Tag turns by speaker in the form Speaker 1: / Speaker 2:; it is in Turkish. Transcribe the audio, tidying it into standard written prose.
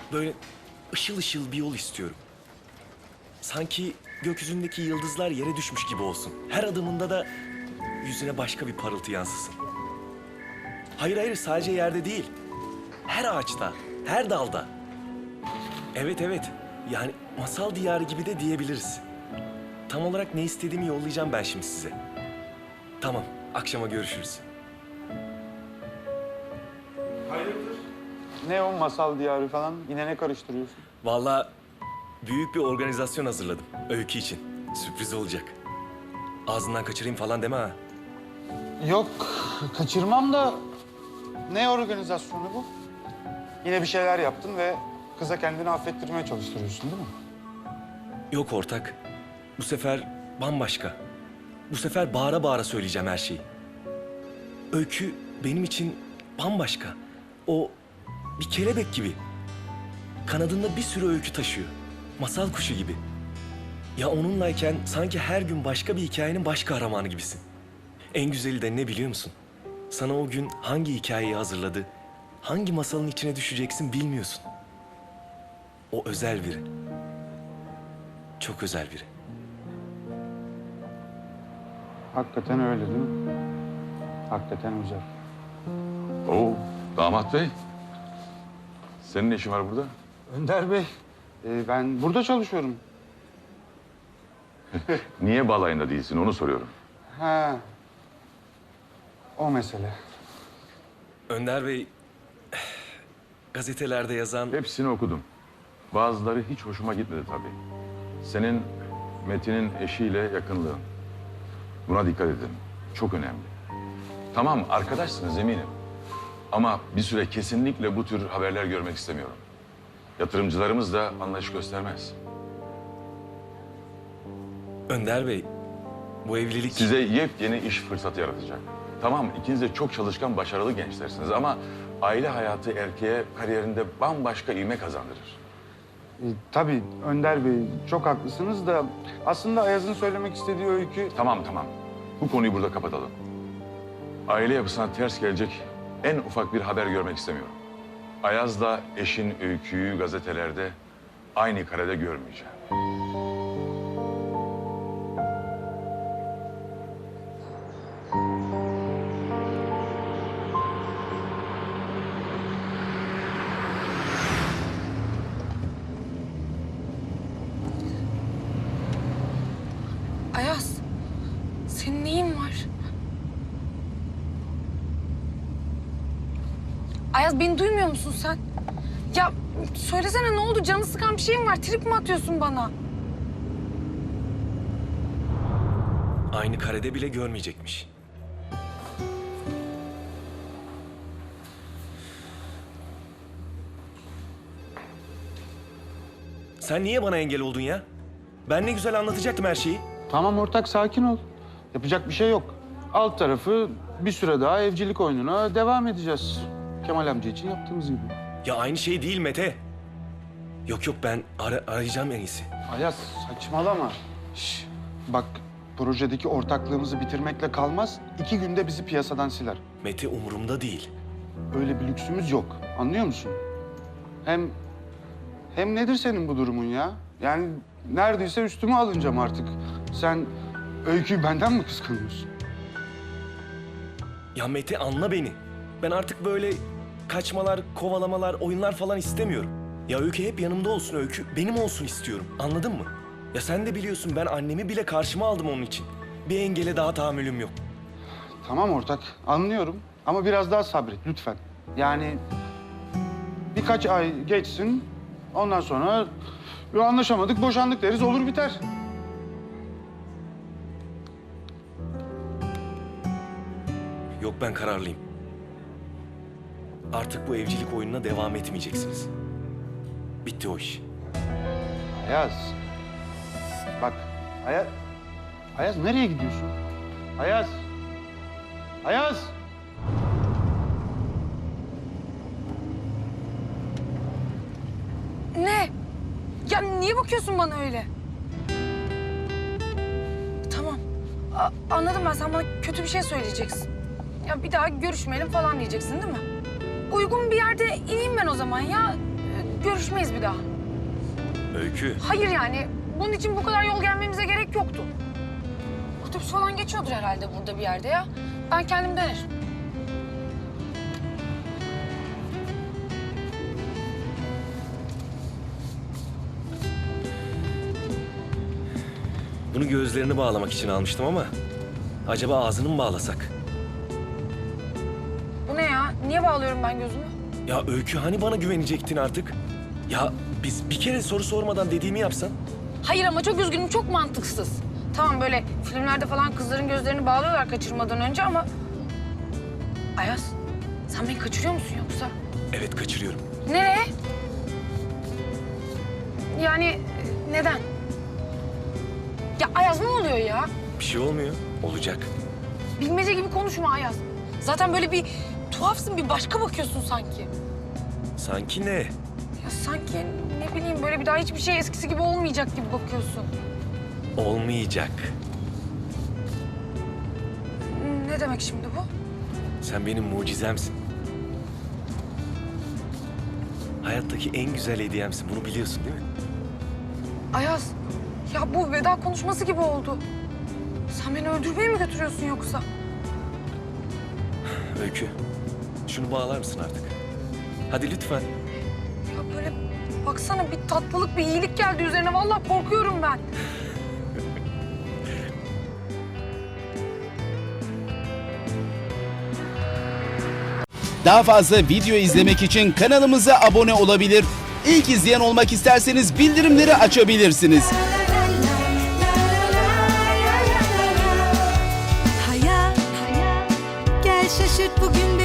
Speaker 1: Böyle ışıl ışıl bir yol istiyorum. Sanki gökyüzündeki yıldızlar yere düşmüş gibi olsun. Her adımında da yüzüne başka bir parıltı yansısın. Hayır hayır, sadece yerde değil. Her ağaçta, her dalda. Evet evet, yani masal diyarı gibi de diyebiliriz. Tam olarak ne istediğimi yollayacağım ben şimdi size. Tamam, akşama görüşürüz.
Speaker 2: Hayırdır? Ne o masal diyarı falan? Yine ne karıştırıyorsun?
Speaker 1: Vallahi büyük bir organizasyon hazırladım Öykü için. Sürpriz olacak. Ağzından kaçırayım falan deme ha.
Speaker 2: Yok, kaçırmam da ne organizasyonu bu? Yine bir şeyler yaptın ve kıza kendini affettirmeye çalıştırıyorsun değil mi?
Speaker 1: Yok ortak. Bu sefer bambaşka. Bu sefer bağıra bağıra söyleyeceğim her şeyi. Öykü benim için bambaşka. O bir kelebek gibi. Kanadında bir sürü öykü taşıyor. Masal kuşu gibi. Ya onunlayken sanki her gün başka bir hikayenin baş kahramanı gibisin. En güzeli de ne biliyor musun? Sana o gün hangi hikayeyi hazırladı, hangi masalın içine düşeceksin bilmiyorsun. O özel biri. Çok özel biri.
Speaker 2: Hakikaten öyle değil mi? Hakikaten özel.
Speaker 3: Oo, damat bey. Senin ne işin var burada?
Speaker 2: Önder Bey, ben burada çalışıyorum.
Speaker 3: Niye balayında değilsin onu soruyorum.
Speaker 2: Ha, o mesele.
Speaker 1: Önder Bey, gazetelerde yazan...
Speaker 3: Hepsini okudum. Bazıları hiç hoşuma gitmedi tabii. Senin Metin'in eşiyle yakınlığın. Buna dikkat edin. Çok önemli. Tamam arkadaşsınız eminim. Ama bir süre kesinlikle bu tür haberler görmek istemiyorum. Yatırımcılarımız da anlayış göstermez.
Speaker 1: Önder Bey, bu evlilik...
Speaker 3: Size yepyeni iş fırsatı yaratacak. Tamam, ikiniz de çok çalışkan, başarılı gençlersiniz ama aile hayatı erkeğe kariyerinde bambaşka ivme kazandırır.
Speaker 2: Tabii Önder Bey, çok haklısınız da aslında Ayaz'ın söylemek istediği öykü...
Speaker 3: Tamam. Bu konuyu burada kapatalım. Aile yapısına ters gelecek en ufak bir haber görmek istemiyorum. Ayaz'la eşin Öykü'yü gazetelerde aynı karede görmeyeceğim.
Speaker 4: Ayaz, senin neyin var? Ayaz, beni duymuyor musun sen? Ya söylesene, ne oldu? Canı sıkan bir şeyin var. Trip mi atıyorsun bana?
Speaker 1: Aynı karede bile görmeyecekmiş. Sen niye bana engel oldun ya? Ben ne güzel anlatacaktım her şeyi.
Speaker 2: Tamam ortak, sakin ol. Yapacak bir şey yok. Alt tarafı bir süre daha evcilik oyununa devam edeceğiz. Kemal amca için yaptığımız gibi.
Speaker 1: Ya aynı şey değil Mete. Yok ben arayacağım en iyisi.
Speaker 2: Ayaz, saçmalama. Bak, projedeki ortaklığımızı bitirmekle kalmaz. 2 günde bizi piyasadan siler.
Speaker 1: Mete umurumda değil.
Speaker 2: Öyle bir lüksümüz yok. Anlıyor musun? Hem nedir senin bu durumun ya? Yani neredeyse üstüme alınacağım artık. Sen Öykü'yü benden mi kıskanıyorsun?
Speaker 1: Ya Mete anla beni. Ben artık böyle kaçmalar, kovalamalar, oyunlar falan istemiyorum. Ya Öykü hep yanımda olsun, Öykü benim olsun istiyorum. Anladın mı? Ya sen de biliyorsun, ben annemi bile karşıma aldım onun için. Bir engele daha tahammülüm yok.
Speaker 2: Tamam ortak, anlıyorum. Ama biraz daha sabret lütfen. Yani birkaç ay geçsin, ondan sonra anlaşamadık, boşandık deriz, olur biter.
Speaker 1: Yok, ben kararlıyım. Artık bu evcilik oyununa devam etmeyeceksiniz. Bitti o iş.
Speaker 2: Ayaz. Bak, Ayaz nereye gidiyorsun? Ayaz. Ayaz.
Speaker 4: Ne? Ya niye bakıyorsun bana öyle? Tamam. Anladım ben. Sen bana kötü bir şey söyleyeceksin. Ya bir daha görüşmeyelim falan diyeceksin değil mi? Uygun bir yerde ineyim ben o zaman ya. Görüş görüşmeyiz bir daha.
Speaker 1: Öykü.
Speaker 4: Hayır yani bunun için bu kadar yol gelmemize gerek yoktu. Otobüs falan geçiyordur herhalde burada bir yerde ya. Ben kendim dönerim.
Speaker 1: Bunu gözlerini bağlamak için almıştım ama acaba ağzını mı bağlasak?
Speaker 4: Bu ne ya? Niye bağlıyorum ben gözümü?
Speaker 1: Ya Öykü hani bana güvenecektin artık? Ya biz bir kere soru sormadan dediğimi yapsan.
Speaker 4: Hayır ama çok üzgünüm, çok mantıksız. Tamam böyle filmlerde falan kızların gözlerini bağlıyorlar kaçırmadan önce ama... Ayaz, sen beni kaçırıyor musun yoksa?
Speaker 1: Evet, kaçırıyorum.
Speaker 4: Nereye? Yani neden? Ya Ayaz ne oluyor ya?
Speaker 1: Bir şey olmuyor. Olacak.
Speaker 4: Bilmece gibi konuşma Ayaz. Zaten böyle bir tuhafsın, bir başka bakıyorsun sanki.
Speaker 1: Sanki ne?
Speaker 4: Ya sanki ne bileyim böyle bir daha hiçbir şey eskisi gibi olmayacak gibi bakıyorsun.
Speaker 1: Olmayacak.
Speaker 4: Ne demek şimdi bu?
Speaker 1: Sen benim mucizemsin. Hayattaki en güzel hediyemsin. Bunu biliyorsun değil mi?
Speaker 4: Ayaz, ya bu veda konuşması gibi oldu. Sen beni öldürmeye mi götürüyorsun yoksa?
Speaker 1: Öykü, şunu bağlar mısın artık? Hadi lütfen.
Speaker 4: Ya böyle baksana bir tatlılık, bir iyilik geldi üzerine. Vallahi korkuyorum ben.
Speaker 5: Daha fazla video izlemek için kanalımıza abone olabilir. İlk izleyen olmak isterseniz bildirimleri açabilirsiniz.
Speaker 6: Hayat, gel şaşırt bugün